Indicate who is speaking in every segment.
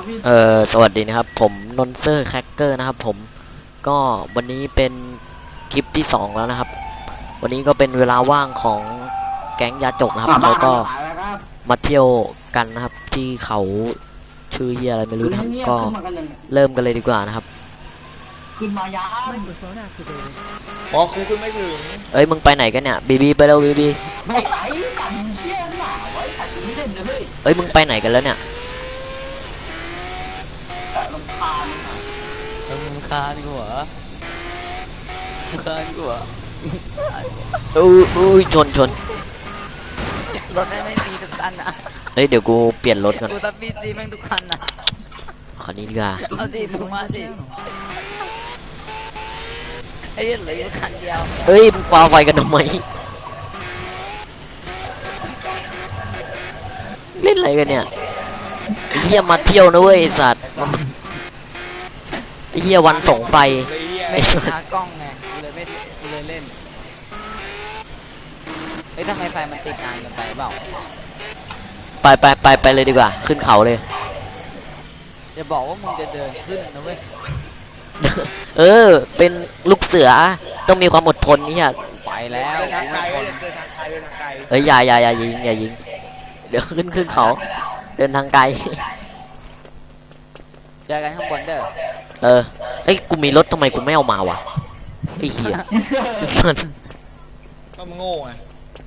Speaker 1: พี่
Speaker 2: สวัสดีนะครับผมนนเซอร์แคคเกอร์นะครับผมก็วันนี้เป็นคลิปที่2แล้วนะครับวันนี้ก็เป็นเวลาว่างของแก๊งยาจกนะครับเขาก็มาเที่ยวกันนะครับที่เขาชื่อเฮียอะไรไม่รู้นะครับก็เริ่มกันเลยดีกว่านะครับ
Speaker 1: ขึ้นมายา
Speaker 3: อ๋อคือคุณไม่ถึง
Speaker 2: เอ้ยมึงไปไหนกันเนี่ยบีไปแล้วบี
Speaker 1: ไม่ไหวสั่นเชี่ยหนาไว้สั่นไม่เล่นเลย
Speaker 2: เอ้ยมึงไปไหนกันแล้วเนี่ย
Speaker 1: ลำคาญ
Speaker 4: มึงคานกูเหรอมึงคานกูเหรอ
Speaker 2: อุ้ยชน
Speaker 4: รถไม่มีทุกคันนะ
Speaker 2: เฮ้ยเดี๋ยวกูเปลี่ยนรถก่อน
Speaker 4: กูตัดบีซีแม่งทุกคันนะ
Speaker 2: คันนี้ดีกว่า
Speaker 4: เอาสิมึงมาสิไอ้เหลือคันเดียว
Speaker 2: เอ้ยมึงปาไฟกันทำไมเล่นอะไรกันเนี่ยไอ้เหี้ยมาเที่ยวนะเว้ยไอ้สัตว์ไอ้เหี้ยวันส่งไฟ
Speaker 4: ไม่หากล้องไงกูเลยเล่นเฮ้ยทำไมไฟมันติดนานกันไปเปล่า
Speaker 2: ไปเลยดีกว่าขึ้นเขาเลย
Speaker 4: อย่าบอกว่ามึงจะเดินขึ้นนะเว้ย
Speaker 2: เป็นลูกเสือต้องมีความอดทนนี่ฮะ
Speaker 4: ไปแล้ว
Speaker 3: เดินทางไกล
Speaker 2: อย่ายิงเดี๋ยวขึ้นเขาเดินทางไกล
Speaker 4: เจอกันข้างบนเด้
Speaker 2: อเอ้ยกูมีรถทำไมกูไม่เอามาวะไอ้เหี้ย
Speaker 3: ก็มึงโง่ไง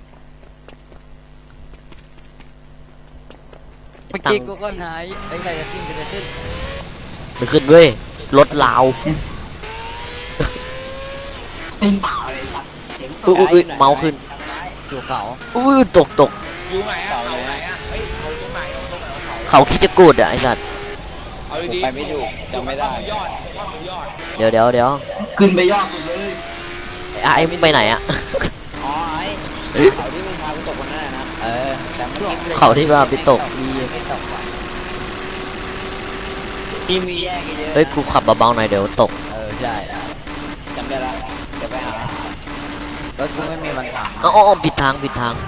Speaker 4: เมื่อกี้กูก็หายไอ้ใครจะขึ้น
Speaker 2: ไม่ขึ้นเว้ยรถลาว
Speaker 1: ตีนเปล่าเลยสัตว์
Speaker 2: อุ้ยเมาขึ้น
Speaker 4: อยู่เขา
Speaker 2: ตก
Speaker 3: อยู่ไหนอะเขาไหนอะเฮ้ยเขาตรงไหน
Speaker 2: เขาคิดจะกูดอะไอ้สัตว์
Speaker 3: เอาดีไปไม่ถูกจำไม่ได้ยอด
Speaker 2: เดี๋ยว
Speaker 1: ขึ้นไปยอดสุดเลย
Speaker 2: ไอ้มึงไปไหนอะ
Speaker 4: อ๋อไอ้เขาที่มึงพาไปตกคนนั้นนะแต่
Speaker 2: เขาที่ว่าไปตก
Speaker 4: มีแยกเยอะ
Speaker 2: เฮ้ยกูขับเบาๆหน่อยเดี๋ยวตก
Speaker 4: ใช่จำได้ละเดี๋ยวไปหารถกูไม่มีวันขับ
Speaker 2: อ๋อผิดทาง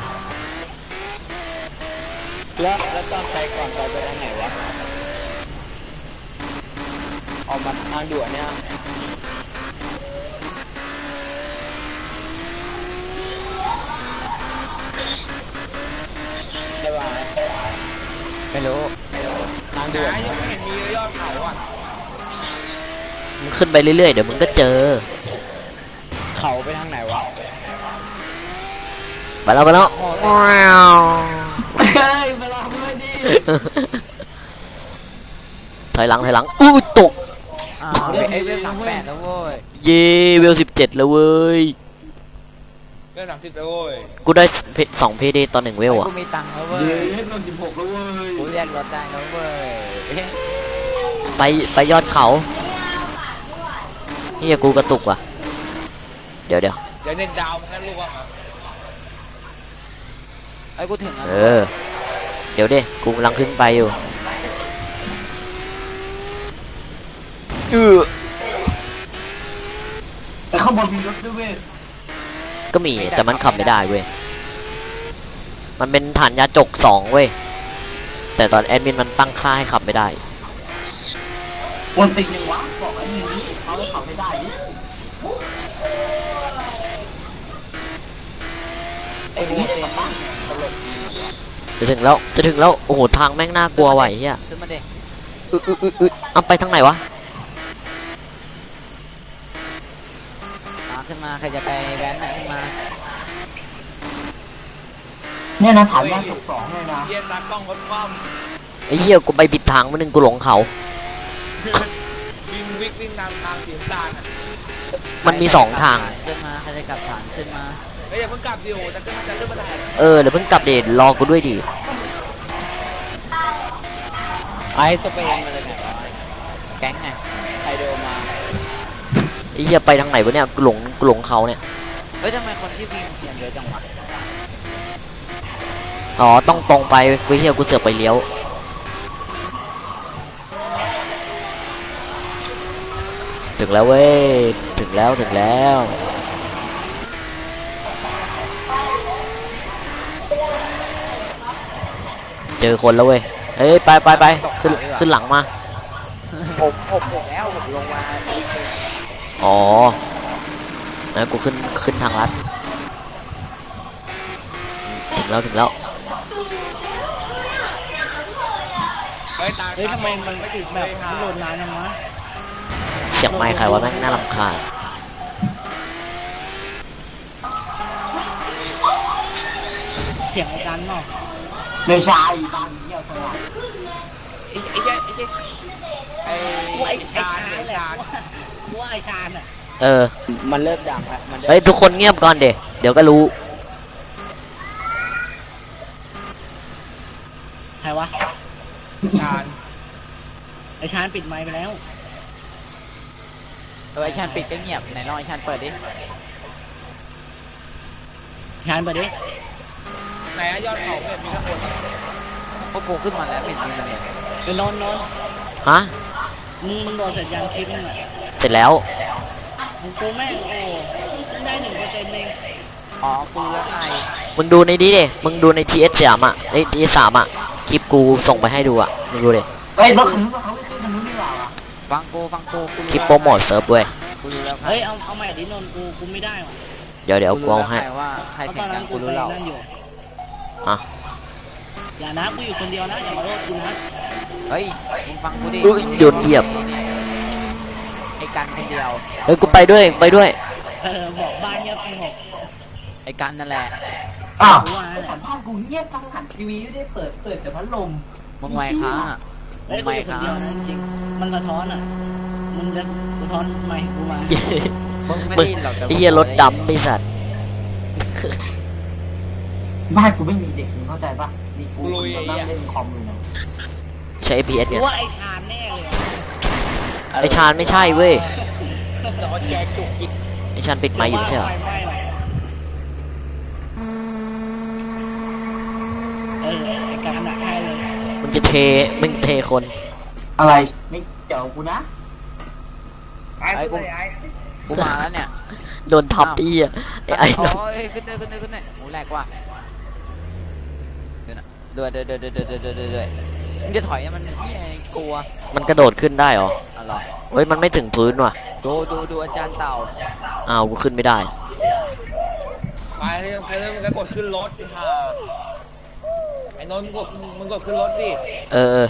Speaker 4: แล้วตอนไปก่อนไปทางไหนวะออกมาทางด่วนเนี่ยได้ป่ะไม่รู้ทางด่วน
Speaker 3: ยังไม่เห็นมียอดเขาอ่ะ
Speaker 2: มึงขึ้นไปเรื่อยๆเดี๋ยวมึงก็เจอ
Speaker 4: เขาไปทางไหนวะ
Speaker 2: ไปแล้ว
Speaker 1: เฮ้ยมาลองด้วยดิ
Speaker 2: ถอยหลังตก
Speaker 4: ไอเวล38แล้วเว้ย
Speaker 2: เย่เวล17แล้วเว้ย
Speaker 3: เวล30แล้วเว้ย
Speaker 2: กูได้2เพดตอน1เวลอ่ะ
Speaker 4: กูมีตังค์แล้วเว้ย
Speaker 1: เวล16แล้วเว้ย
Speaker 4: กูแยกรถได้แล้วเว้
Speaker 2: ยไปยอดเขาเฮียกูกระตุกว่ะเดี๋ยว
Speaker 3: เน็ตดาวงั้นลูกอ่ะ
Speaker 4: ไอ้กูถึง
Speaker 2: เดี๋ยวดิกูกำลังขึ้นไปอยู่
Speaker 1: แต่ข้างบนมีรถด้วยเว้ย
Speaker 2: ก็มีแต่มันขับไม่ได้เว้ยมันเป็นฐานยาจก2เว้ยแต่ตอนแอดมินมันตั้งค่าให้ขับไม่ได้
Speaker 1: วันติยังวะบอกไอ้นี่เขาขับไม่ได้ไอ้นี่
Speaker 2: จะถึงแล้วโอ้โหทางแม่งน่ากลัวไหวเฮีย
Speaker 4: ขึ้นมาดิ
Speaker 2: เอาไปทางไหนวะ
Speaker 4: ขึ้นมาใครจะไปแว้นขึ้นมา
Speaker 1: เนี่ยนะถามว่า2เลยนะ
Speaker 3: เย็นตากล้องรถคว่
Speaker 2: ำไอ้เหี้ยกูไปผิดทางมาหนึ่งกูหลงเขา
Speaker 3: วิ่งตามทางสีน้ำตาลอ่ะ
Speaker 2: มันมี2ทาง
Speaker 4: ขึ้นมาใครจะกลับฐานขึ้นมา
Speaker 3: เฮ้ยอย่าเพิ่งกลับดิโอจะขึ้นมาได้
Speaker 2: เดี๋ยวเพิ่งกลับเดชรอกูด้วยดิ
Speaker 4: ไอสเปนมาเลยไหนวะแก๊งไงไอโดมา
Speaker 2: ไอ้เหี้ยไปทางไหนวะเนี่ยกูหลงเขาเนี่ย
Speaker 4: เฮ้ยทำไมคนที่วิ่งเขียนเยอะจังวะ
Speaker 2: อ๋อต้องตรงไปกูเหี้ยกูเสือกไปเลี้ยวถึงแล้วเว้ยถึงแล้วเจอคนแล้วเว้ยเฮ้ยไปขึ้นหลังมา
Speaker 4: ผมถึงแล้วผมลงมา
Speaker 2: อ๋อแล้วกูขึ้นทางลัดถึงแล้ว
Speaker 3: เฮ้ยตาม
Speaker 5: เฮ้ยทำไมมันไม่ถึงแบบมันโหลดนานจังวะ
Speaker 2: เสียงไมค์ใครวะแม่งน่ารำคาญ
Speaker 5: เสียงไอ้กันเนาะ
Speaker 1: ไม่ใช่บางเหี้ยสว่าง
Speaker 3: ไอ้เจ๊ไอ้
Speaker 5: ว่าไอ้
Speaker 3: จาน
Speaker 5: ชา
Speaker 3: ไอ้
Speaker 5: ญแหละ
Speaker 3: จาน
Speaker 5: ว่าไอ้ชาญอ่ะ
Speaker 2: เออ
Speaker 4: มันเริ่มดังแล้วมัน
Speaker 2: เฮ้ยทุกคนเงียบก่อนเดี๋ยวก็รู้
Speaker 5: ใครวะ
Speaker 3: จาน
Speaker 5: ไอ้ชาญปิดไมค์ไปแล้ว
Speaker 4: ไอ้ชันปิดก็เงียบไหนลองไอ้ชันเปิดดิ
Speaker 5: ชาญเปิดดิ
Speaker 3: ไหนอะยอดเขาเนี่ยมีทั้งหมด
Speaker 4: พวกกูขึ้นมาแล้วเห็นมีมันเนี่ย
Speaker 5: ไปนอน
Speaker 2: ฮะ
Speaker 5: มึงโดนเสร็จยังคลิปนึงอ่ะ
Speaker 2: เสร็จแล้ว
Speaker 5: มึงกูแม่งโอ้ได้1%เอง
Speaker 4: อ๋อกูแล้วใคร
Speaker 2: มึงดูในนี้ดิมึงดูใน TS3 อ่ะใน TS3 อ่ะคลิปกูส่งไปให้ดูอ่ะมึงดูดิ
Speaker 1: เฮ้ยรถคันนู้นเขาไม่ขึ้นคันนู้นดีกว่าวะ
Speaker 4: ฟังกูกู
Speaker 2: คลิปโปรโมทเซิร์ฟเว้ย
Speaker 4: กูรู้แล้วใคร
Speaker 5: เฮ้ยเอาใหม่ดินนกูไม่ได้ว่ะ
Speaker 2: เดี๋ยวกูเอาให้
Speaker 4: ว่าใคร
Speaker 5: เพราะ
Speaker 4: เสี
Speaker 5: ต
Speaker 4: ย
Speaker 5: อง น
Speaker 4: ดั
Speaker 5: นั้
Speaker 4: ง
Speaker 5: น
Speaker 4: กู
Speaker 5: กู
Speaker 4: รู้
Speaker 5: ไป
Speaker 4: แล้ว
Speaker 5: นั่นอยู่
Speaker 2: อ่ะ
Speaker 5: อย่านะกูอยู่คนเดียวนะอย่ามาโทษกูนะ
Speaker 4: เฮ้ยมึงฟังกูดิ
Speaker 2: อุ๊ยหยุดเหยียบ
Speaker 4: ไอ้กันคนเดียว
Speaker 2: เฮ้ยกูไปด้วย
Speaker 5: บอกบ้านเงียบสงบ
Speaker 4: ไอ้กันนั่นแหละ
Speaker 1: อ้าว
Speaker 5: กูว่าแหละ
Speaker 1: สัมภาษณ์กูเงียบทั้งหันทีวีไม่ได้เปิดแต่พัดลม
Speaker 4: มึงไวค้ามึ
Speaker 5: เฮ้ย
Speaker 4: ง
Speaker 5: กู
Speaker 4: ไว
Speaker 5: อยู่คน
Speaker 4: ค้า
Speaker 5: เดียวนะจริงมันสะท้อนอ่ะมึงจะสะท้อนไมค์กูมา
Speaker 4: มึงไม่
Speaker 2: มึง
Speaker 4: ได้ยินหรอกแต่
Speaker 2: ไอ้เหี้ยรถดำไอ้สัตว์
Speaker 1: บ้านกูไม่มีเด็กมึงเข้าใจปะนี่กูนั่งเล่นคอมอยู่นะ
Speaker 2: ใช้ APS
Speaker 5: กู
Speaker 2: เนี่ย
Speaker 5: ว่าไอ้ชาญแน่เลยอะ
Speaker 2: ไอชาญไม่ใช่เว้ย
Speaker 3: จอแจกจุกจิก
Speaker 2: ไอชาญปิดไมค์อยู่ไม่ใช่เหรอ
Speaker 5: ไฟไหม้ว่ะไอ้การหนักให้เลย
Speaker 2: มึงเทคน
Speaker 1: อะไรไม่เกี่ยวกูนะ
Speaker 4: ไอ้กูมาแล้วเนี่ย
Speaker 2: โดนทับอีอ่ะไอ้นั่น
Speaker 4: โอ้ยขึ้นเลยโอ้แหลกว่ะเดือดมึงจะถอยมันเหี้ยกลัว
Speaker 2: มันกระโดดขึ้นได้เหรอ
Speaker 4: อะไร
Speaker 2: เฮ้ยมันไม่ถึงพื้นว่ะ
Speaker 4: ดูอาจารย์เต่า
Speaker 2: อ้าวกูขึ้นไม่ได้
Speaker 3: ไปเลยมึงก็กดขึ้นรถค่ะไอ้นนท์มึงกดขึ้นรถดิ
Speaker 2: เออ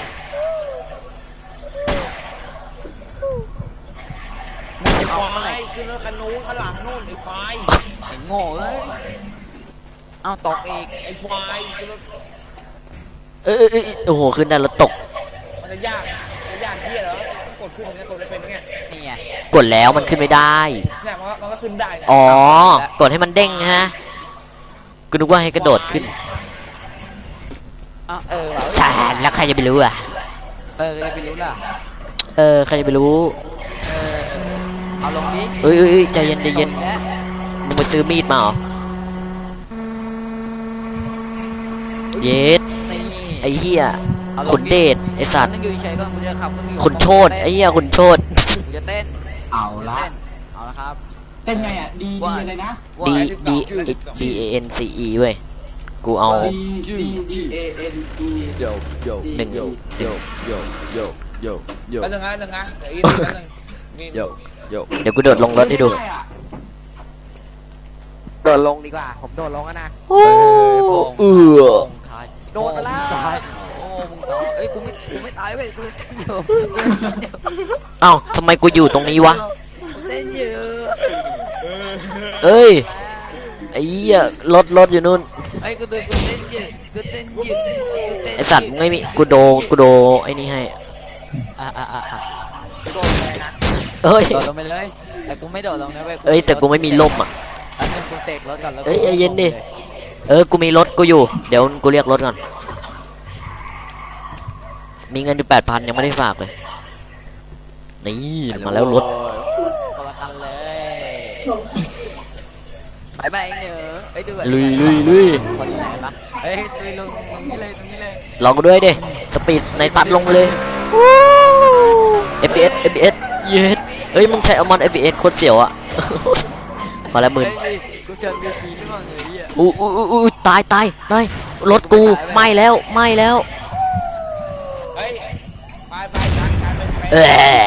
Speaker 3: ไอ้ควายขึ้นรถคันนู้นข้างหลังนู่นไอ้ควาย
Speaker 4: ไอ้โง่เอ้ยเอาตกอีก
Speaker 3: ไอ้ควายขึ้นรถ
Speaker 2: โอ้โหขึ้นได้แล้วตก
Speaker 3: มันจะยากที่เหรอต้องกดขึ้นมันจะกดได้เป็นไง
Speaker 4: นี่ไง
Speaker 2: กดแล้วมันขึ้นไม่ได้
Speaker 3: เนี่ยมันก็ขึ้นได้นะ
Speaker 2: อ๋อ กดให้มันเด้งฮะกูนึกว่าให้กระโดดขึ้น
Speaker 4: อ้าวว่ะ
Speaker 2: ใช่แล้วใครจะไปรู้อ่ะ
Speaker 4: ไปรู้ล่ะ
Speaker 2: ใครจะไปรู้
Speaker 4: เอาลงดิ
Speaker 2: เอ้ยใจเย็นมึงไปซื้อมีดมาเหรอ เย็ด
Speaker 4: นี่
Speaker 2: ไอ้เหี้ยขุนเดชไอ้สัตว์
Speaker 4: นึงอยู่เฉยๆก่อนกูจะขับขึ้นอยู่
Speaker 2: ขุนโชดไอ้เหี้ยขุนโชด
Speaker 4: กูจะเต้น
Speaker 1: เอาละ
Speaker 4: เอาละครับ
Speaker 1: เป็นไงอ่ะดีเลยนะ
Speaker 2: D D A N C E เว้ย กูเอา
Speaker 1: D A N E
Speaker 2: หนึ่ง
Speaker 3: แล้วนึงนะเดี๋ยวอีกนิดนึงนี่
Speaker 2: เดี๋ยวกูโดดลงรถให้ดู
Speaker 4: โดดลงดีกว่าผมโดดลงแล้วนะ
Speaker 2: โอ้
Speaker 4: โดดไปแล้วโอ้มึงตายเอ้ยกูไม่ตายเว้ยกูเต้นอยู่
Speaker 2: เอ้าทำไมกูอยู่ตรงนี้วะ
Speaker 4: เต้นอยู่
Speaker 2: เอ้ย ไอ้เหี้ยรถอยู่นู่น
Speaker 4: ไอ้กูเต้นอยู่
Speaker 2: ไอ้สัตว์ไม่มีกูโดไอ้นี่ให้ เอ้ย
Speaker 4: โดดลงไปเลยแต่กูไม่โดดลงนะเว้ย
Speaker 2: เอ้ยแต่กูไม่มีล่มอ่ะ
Speaker 4: อันนึงกูเสกรถก่อนแล้ว
Speaker 2: เอ้ยใจเย็นดิ กูมีรถกูอยู่ เดี๋ยวกูเรียกรถก่อน มีเงินอยู่ 8,000 ยังไม่ได้ฝากเลย นี่มาแล้วรถ
Speaker 4: คนละคันเลยไปเนอะไอ้ดู
Speaker 2: ลุย
Speaker 4: คนอยู่ไหนปะเฮ้ยลุยลงตรงนี้เลย
Speaker 2: ลองกูด้วยดิ สปีดในตัดลงไปเลย FPS เย็ดเฮ้ยมึงใช้เอามอน FPS โคตรเสียวอ่ะ มาแล้วมึน
Speaker 4: กูเจอเบียร์ชีด้วยมั้งเลยอ่ะ
Speaker 2: ตายรถกูไหม้แล้ว
Speaker 3: ไปการเป็นแฟน
Speaker 2: เออ